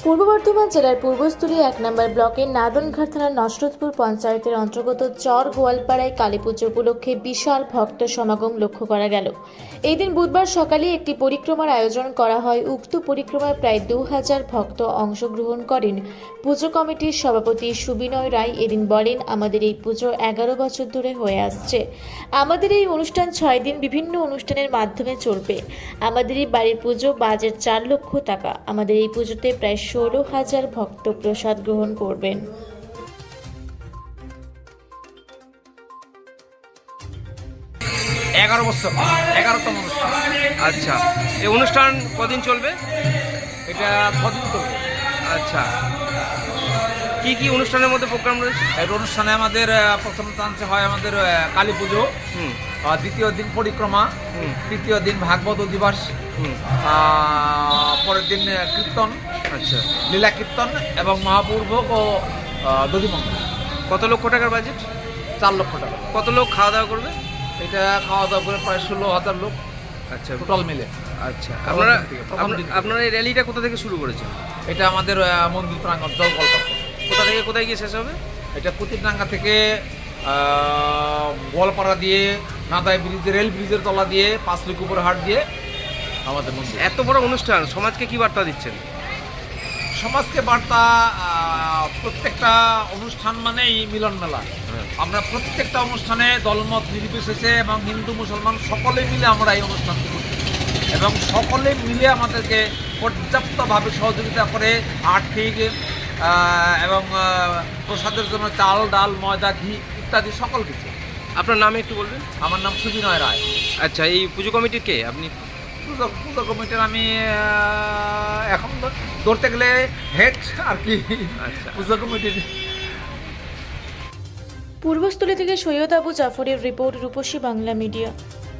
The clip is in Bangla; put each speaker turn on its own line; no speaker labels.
পূর্ব বর্ধমান জেলার পূর্বস্থলী ১ নম্বর ব্লকের নাদনঘাট থানার নসরতপুর পঞ্চায়েতের অন্তর্গত চর গোয়ালপাড়ায় কালীপুজো উপলক্ষে বিশাল ভক্ত সমাগম লক্ষ্য করা গেল। এই দিন বুধবার সকালে একটি পরিক্রমার আয়োজন করা হয়। উক্ত পরিক্রমায় প্রায় ২০০০ ভক্ত অংশগ্রহণ করেন। পুজো কমিটির সভাপতি সুবিনয় রায় এদিন বলেন, আমাদের এই পুজো ১১ বছর ধরে হয়ে আসছে। আমাদের এই অনুষ্ঠান ৬ দিন বিভিন্ন অনুষ্ঠানের মাধ্যমে চলবে। আমাদের এই বাড়ির পুজো বাজেট ৪ লক্ষ টাকা। আমাদের এই পুজোতে প্রায় ১৬,০০০ ভক্ত প্রসাদ গ্রহণ করবেন।
এগারো বছর 11তম অনুষ্ঠান।
আচ্ছা, এই অনুষ্ঠান কদিন চলবে?
এটা 6 দিন চলবে।
আচ্ছা, কি কি অনুষ্ঠানের মধ্যে প্রোগ্রাম রয়েছে?
এই অনুষ্ঠানে আমাদের প্রথম চান্সে হয় আমাদের কালী পুজো, দ্বিতীয় দিন পরিক্রমা, তৃতীয় দিন ভাগবত দিবস, পরের দিন কীর্তন,
আচ্ছা,
লীলা কীর্তন এবং মহাপূর্বক ও দধিমঙ্গল।
কত লক্ষ টাকার বাজেট?
4 লক্ষ টাকা।
কত লোক খাওয়া দাওয়া করবে?
এটা খাওয়া দাওয়া করে প্রায় 16,000 লোক
আচ্ছা,
টোটাল মিলে।
আচ্ছা,
প্রথম দিন থেকে।
আপনারা এই র্যালিটা কোথা থেকে শুরু করেছেন?
এটা আমাদের মন্দির প্রাঙ্গণ জলকল্পনা।
কোথা থেকে কোথায় গিয়ে শেষ হবে?
এটা কুতিরডাঙ্গা থেকে গোয়ালপাড়া দিয়ে নাদাই ব্রিজ, রেল ব্রিজের তলা দিয়ে 5 লিক উপরে হাট দিয়ে আমাদের মন্দির।
এত বড় অনুষ্ঠান সমাজকে কি বার্তা দিচ্ছেন?
সমাজকে বার্তা, প্রত্যেকটা অনুষ্ঠান মানেই মিলন মেলা। আমরা প্রত্যেকটা অনুষ্ঠানে দলমত নির্বিশেষে এবং হিন্দু মুসলমান সকলে মিলে আমরা এই অনুষ্ঠানটি করছি এবং সকলে মিলে আমাদেরকে পর্যাপ্তভাবে সহযোগিতা করে আর্থিক এবং প্রসাদের জন্য চাল, ডাল, ময়দা, ঘি ইত্যাদি সকল কিছু।
আপনার নামে একটু বলবেন?
আমার নাম সুবিনয় রায়।
আচ্ছা, এই পুজো কমিটির কে আপনি?
পুজো কমিটির আমি এখন ধরতে গেলে হেড আর কি।
আচ্ছা,
পুজো কমিটির।
পূর্বস্থলী থেকে সৈয়দ আবু জাফরের রিপোর্ট, রূপসী বাংলা মিডিয়া।